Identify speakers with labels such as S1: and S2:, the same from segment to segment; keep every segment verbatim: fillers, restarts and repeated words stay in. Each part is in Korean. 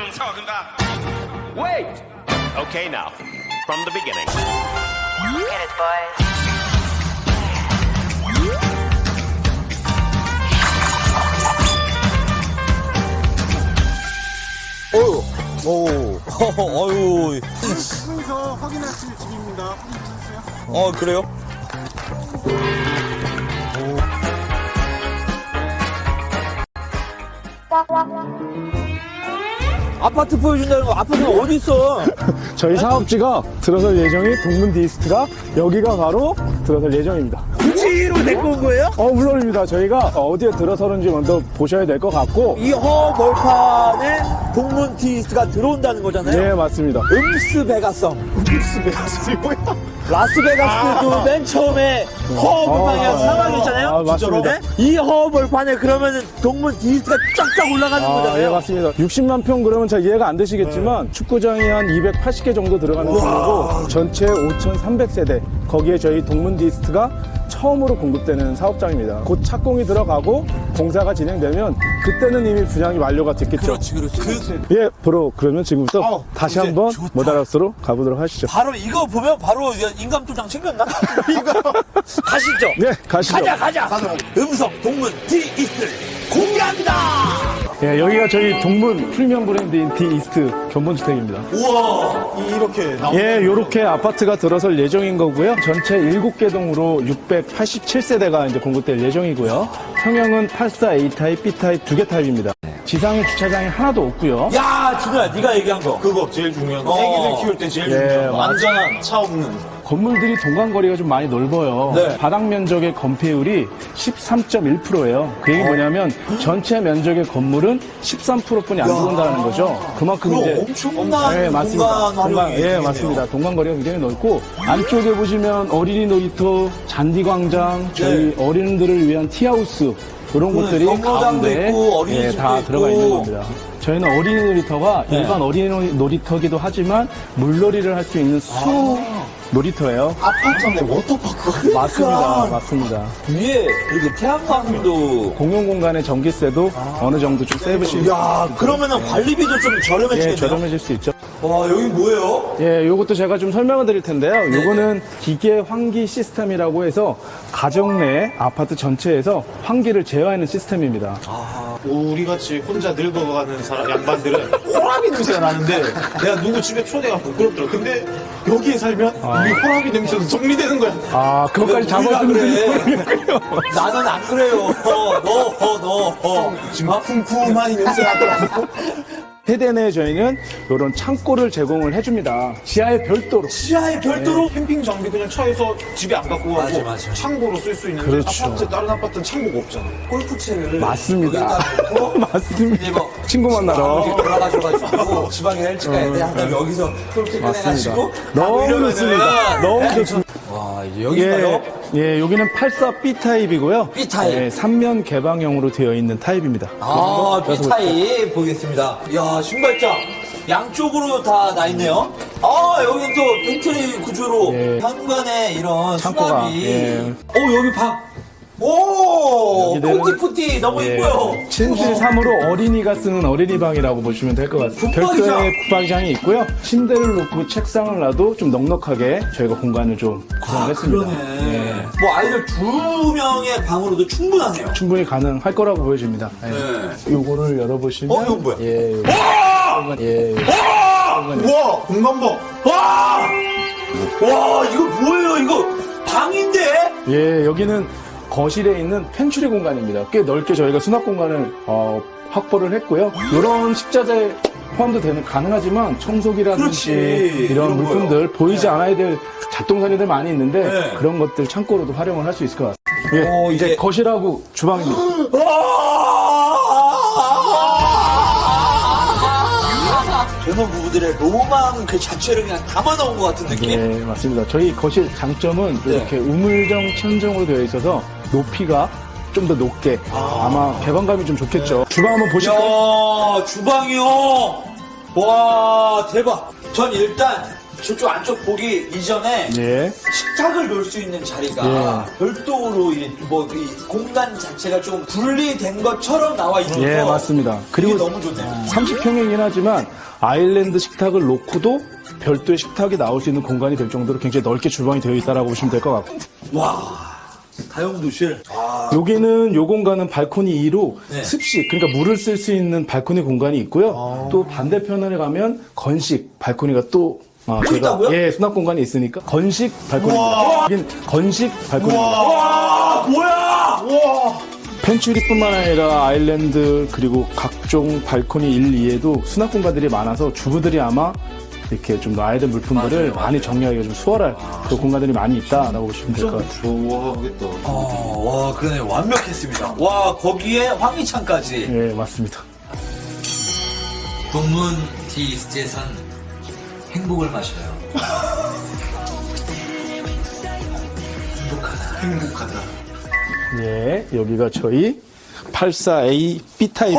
S1: I'm talking about.
S2: Wait! Okay, now, from the beginning.
S3: Get it, boys.
S4: 오, 오, 어유.
S5: 하면서 확인하실 집입니다. 확인하세요.
S4: 어, 그래요? 아파트 보여준다는 거, 아파트가 어디 있어?
S5: 저희 사업지가 들어설 예정인 동문 디스트가 여기가 바로 들어설 예정입니다.
S4: 굳이로 데리고 온 거예요?
S5: 어, 물론입니다. 저희가 어디에 들어서는지 먼저 보셔야 될 것 같고.
S4: 이 허벌판에 동문 디스트가 들어온다는 거잖아요?
S5: 네, 맞습니다.
S4: 음스베가성.
S5: 음스베가스이 뭐야?
S4: 라스베가스도
S5: 아.
S4: 맨 처음에 허벌판이랑
S5: 아,
S4: 사막이 있잖아요?
S5: 아, 맞습니다.
S4: 네? 이 허벌판에 그러면은 동문 디스트가 쫙쫙 올라가는
S5: 아,
S4: 거잖아요?
S5: 예, 맞습니다. 육십만 평 그러면 잘 이해가 안 되시겠지만 축구장이 한 이백팔십 개 정도 들어가는 곳이고 전체 오천삼백 세대 거기에 저희 동문 디스트가 처음으로 공급되는 사업장입니다. 곧 착공이 들어가고 공사가 진행되면 그때는 이미 분양이 완료가 됐겠죠.
S4: 그렇지, 그렇지. 그,
S5: 예, 바로 그러면 지금부터
S4: 어,
S5: 다시
S4: 이제
S5: 한번
S4: 좋다.
S5: 모다라스로 가보도록 하시죠.
S4: 바로 이거 보면 바로 인감도장 챙겼나? 이거 가시죠.
S5: 네, 가시죠.
S4: 가자, 가자. 음성 동문 디스트 공개합니다.
S5: 예, 여기가 저희 동문 프리미엄 브랜드인 디이스트 견본주택입니다.
S4: 우와, 이렇게 나오.
S5: 예, 요렇게 아파트가 들어설 예정인 거고요. 전체 일곱 개 동으로 육백팔십칠 세대가 이제 공급될 예정이고요. 평형은 팔십사 에이 타입, B 타입 두 개 타입입니다. 지상에 주차장이 하나도 없고요.
S4: 야, 진우야, 네가 얘기한 거.
S6: 그거 제일 중요한 거.
S4: 어.
S6: 애기들 키울 때 제일
S5: 예,
S6: 중요한 거.
S5: 맞-
S6: 안전한 차 없는.
S5: 건물들이 동간거리가 좀 많이 넓어요.
S4: 네.
S5: 바닥 면적의 건폐율이 십삼 점 일 퍼센트예요. 그 얘기 뭐냐면 전체 면적의 건물은 십삼 퍼센트뿐이 안 들어온다는 거죠. 그만큼
S4: 그럼
S5: 이제
S4: 엄청난
S5: 네, 맞습니다.
S4: 공간 활용이
S5: 동간, 예,
S4: 되겠네요.
S5: 맞습니다. 동간거리가 굉장히 넓고 안쪽에 보시면 어린이 놀이터, 잔디광장, 저희 어린이들을 위한 티하우스 이런
S4: 그
S5: 곳들이
S4: 경로당도
S5: 가운데
S4: 있고, 어린이집도
S5: 예, 다
S4: 있고.
S5: 들어가 있는 겁니다. 저희는 어린이 놀이터가
S4: 네.
S5: 일반 어린이 놀이터기도 하지만 물놀이를 할 수 있는 수 놀이터예요.
S6: 아파트 안에 워터파크가.
S5: 맞습니다. 맞습니다.
S4: 위에 이렇게 태양광도.
S5: 공용 공간의 전기세도 어느 정도 좀 세이브실 수
S4: 야, 그러면은 관리비도 좀 저렴해지겠네요.
S5: 예, 저렴해질 수 있죠.
S4: 와, 여기 뭐예요?
S5: 예, 요것도 제가 좀 설명을 드릴 텐데요. 요거는 기계 환기 시스템이라고 해서 가정 내 아파트 전체에서 환기를 제어하는 시스템입니다.
S6: 우리 같이 혼자 늙어가는 사람, 양반들은 호라비 냄새가 나는데 내가 누구 집에 초대가 부끄럽더라. 근데 여기에 살면 이 호라비 냄새도 정리되는 거야.
S5: 아, 그것까지
S4: 우리가
S5: 잡아주는
S4: 그래.
S5: 분이
S4: 나는 안 그래요. 어, 너, 어, 너, 어.
S6: 지금 쿰쿰한 이 냄새 나더라고.
S5: 세대 내에 저희는 이런 창고를 제공을 해줍니다. 지하에 별도로.
S4: 지하에 별도로?
S6: 캠핑 장비 그냥 차에서 집에 안 갖고 가고
S4: 맞아, 맞아.
S6: 창고로 쓸 수 있는데
S5: 그렇죠.
S6: 아파트 다른 아파트는 창고가 없잖아.
S4: 골프채를.
S5: 맞습니다.
S4: 여기다 놓고
S5: 맞습니다.
S4: 이제 뭐
S5: 친구 만나러.
S4: 여기 올라가셔가지고 지방에 일찍 가야 돼. 하다가 여기서 골프
S5: 맞습니다.
S4: 꺼내가지고.
S5: 너무 좋습니다. 너무 좋습니다.
S4: 와, 이제 여기가요?
S5: 예, 예, 여기는 팔십사 비 타입이고요.
S4: B 타입.
S5: 예, 삼 면 개방형으로 되어 있는 타입입니다.
S4: 아, B타입 보겠습니다. 이야, 신발장. 양쪽으로 다 나 있네요. 아, 여기 또 벤트리 구조로
S5: 예.
S4: 현관에 이런
S5: 창고가,
S4: 수납이.
S5: 예.
S4: 오, 여기 방. 오,
S5: 여기는-
S4: 푸티푸티 너무
S5: 예,
S4: 이뻐요.
S5: 침실 삼 호로 어린이가 쓰는 어린이 방이라고 보시면 될 것 같습니다.
S4: 붙박이장.
S5: 별도의 붙박이장이 있고요. 침대를 놓고 책상을 놔도 좀 넉넉하게 저희가 공간을 좀 구성했습니다.
S4: 그러네.
S5: 예,
S4: 뭐 아이들 두 명의 방으로도 충분하네요.
S5: 충분히 가능할 거라고 보여집니다. 예.
S4: 네.
S5: 요거를 열어보시면
S4: 어, 이건 뭐야?
S5: 예, 요거. 예, 요거.
S6: 우와, 공간 봐.
S4: 와! 와, 이거 뭐예요? 이거 방인데?
S5: 예, 여기는 거실에 있는 펜츄리 공간입니다. 꽤 넓게 저희가 수납 공간을 어, 확보를 했고요. 이런 식자재 포함도 되는 가능하지만 청소기라든지
S4: 그렇지.
S5: 이런
S4: 이런
S5: 물품들
S4: 거요.
S5: 보이지 않아야 될 잡동사니들 많이 있는데
S4: 네.
S5: 그런 것들 창고로도 활용을 할 수 있을 것 같습니다. 예,
S4: 오,
S5: 이제
S4: 이게-
S5: 거실하고 주방입니다.
S4: 젊은 부부들의 로망 그 자체를 그냥 담아놓은 것 같은 느낌?
S5: 네, 맞습니다. 저희 거실 장점은
S4: 네.
S5: 이렇게 우물정 천정으로 되어 있어서 높이가 좀 더 높게 아. 마 개방감이 좀 좋겠죠. 주방 한번 보실까요?
S4: 야, 주방이요. 와, 대박. 전 일단 저쪽 안쪽 보기 이전에
S5: 예.
S4: 식탁을 놓을 수 있는 자리가
S5: 예.
S4: 별도로 이, 뭐, 이 공간 자체가 좀 분리된 것처럼 나와 있어서
S5: 예, 맞습니다. 그리고
S4: 이게 너무 좋네요.
S5: 삼십 평이긴 하지만 아일랜드 식탁을 놓고도 별도의 식탁이 나올 수 있는 공간이 될 정도로 굉장히 넓게 주방이 되어 있다라고 보시면 될 것 같고.
S4: 와, 다용도실. 아,
S5: 여기는 요 공간은 발코니 이로
S4: 네.
S5: 습식, 그러니까 물을 쓸 수 있는 발코니 공간이 있고요. 또 반대편에 가면 건식 발코니가 또 아,
S4: 또 있다고요?
S5: 예, 수납 공간이 있으니까 건식 발코니입니다. 여긴 건식 발코니입니다.
S4: 와, 뭐야! 와,
S5: 펜츄리뿐만 아니라 아일랜드 그리고 각종 발코니 일, 이에도 수납 공간들이 많아서 주부들이 아마 이렇게 좀 놔야 될 물품들을
S4: 맞아요,
S5: 많이
S4: 맞아요.
S5: 정리하기가 좀 수월할 그 공간들이 많이 있다라고 보시면 될 것 같아요.
S6: 좋아하겠다.
S4: 어, 와, 그러네. 완벽했습니다. 와, 거기에 황희찬까지.
S5: 예, 맞습니다.
S4: 동문 디이스트에선 행복을 마셔요. 행복하다. 행복하다.
S5: 예, 여기가 저희 팔십사 에이 B 타입.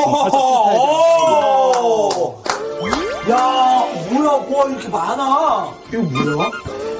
S4: 오! 야, 뭐야, 와, 이렇게 많아. 이거 뭐야?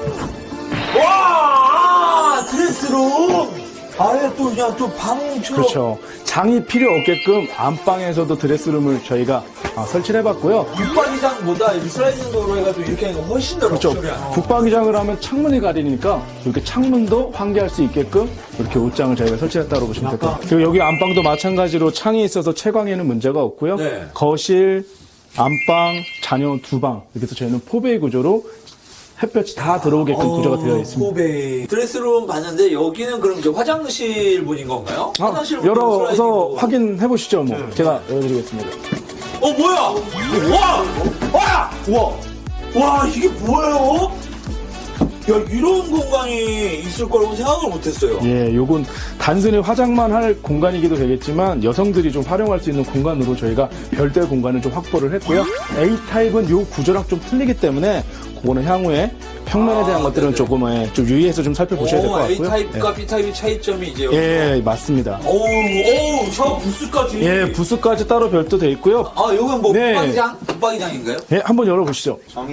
S4: 와, 드레스룸. 아예 또 그냥 또 방처럼.
S5: 그렇죠. 장이 필요 없게끔 안방에서도 드레스룸을 저희가 아, 설치를 해봤고요.
S4: 북방이장보다 이 슬라이딩 도로 해가지고 이렇게 하니까 훨씬 더
S5: 그렇죠.
S4: 럭셔리한.
S5: 북방위장을 하면 창문이 가리니까 이렇게 창문도 환기할 수 있게끔 이렇게 옷장을 저희가 설치했다고 보시면 될 것 같아요. 그리고 여기 안방도 마찬가지로 창이 있어서 채광에는 문제가 없고요.
S4: 네.
S5: 거실, 안방, 자녀 두 방 이렇게 해서 저희는 포베이 구조로 햇볕이 다 들어오게끔 구조가 되어 있습니다.
S4: 포베이. 드레스룸 봤는데 여기는 그럼 이제 화장실 분인 건가요?
S5: 아,
S4: 화장실 분은
S5: 열어서
S4: 슬라이딩으로.
S5: 확인해 보시죠. 뭐 제가 열어드리겠습니다.
S4: 어, 뭐야? 와! 와! 와! 와, 이게 뭐예요? 야, 이런 공간이 있을 거라고 생각을 못 했어요.
S5: 예, 요건 단순히 화장만 할 공간이기도 되겠지만 여성들이 좀 활용할 수 있는 공간으로 저희가 별도의 공간을 좀 확보를 했고요. 에이 타입은 요 구조랑 좀 틀리기 때문에 그거는 향후에 평면에 대한
S4: 아,
S5: 것들은
S4: 네네.
S5: 조금 예, 좀 유의해서 좀 살펴보셔야 될 것 같고요.
S4: A타입과 B타입의 차이점이 이제 여기.
S5: 예, 예, 맞습니다.
S4: 오우, 오우, 저 부스까지.
S5: 예, 부스까지 따로 별도 돼 있고요.
S4: 아, 요건 뭐,
S5: 네.
S4: 붙박이장? 붙박이장인가요?
S5: 예, 한번 열어보시죠.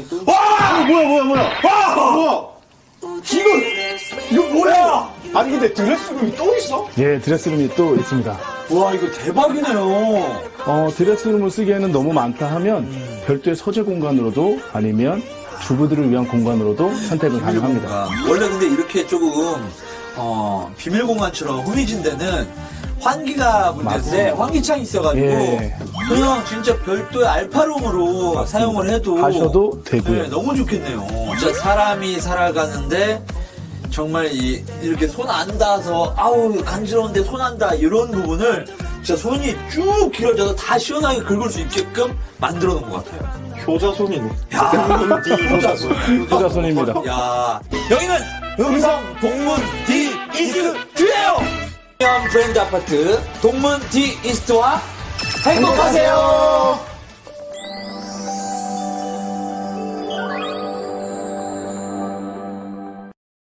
S4: 와!
S6: 뭐야, 뭐야, 뭐야.
S4: 와!
S6: 뭐야?
S4: 이거, 이거 뭐야?
S6: 아니, 근데 드레스룸이 또 있어?
S5: 예, 드레스룸이 또 있습니다.
S4: 와, 이거 대박이네요.
S5: 어, 드레스룸을 쓰기에는 너무 많다 하면 별도의 서재 공간으로도 아니면 주부들을 위한 공간으로도 선택은 가능합니다.
S4: 아, 원래 근데 이렇게 조금 어, 비밀 공간처럼 흐미진 데는 환기가 문제인데
S5: 맞습니다.
S4: 환기창이 있어가지고
S5: 예.
S4: 그냥 진짜 별도의 알파룸으로 사용을 해도
S5: 하셔도 되고요.
S4: 네, 너무 좋겠네요. 진짜 사람이 살아가는데 정말 이, 이렇게 손 안 닿아서 아우 간지러운데 손 안 닿아 이런 부분을 진짜 손이 쭉 길어져서 다 시원하게 긁을 수 있게끔 만들어 놓은 것 같아요.
S6: 효자손이네.
S4: 야, 효자손.
S5: 효자손입니다.
S4: 야, 여기는 음성 동문 디 이스트예요. 프리미엄 브랜드 아파트 동문 디 이스트와 행복하세요.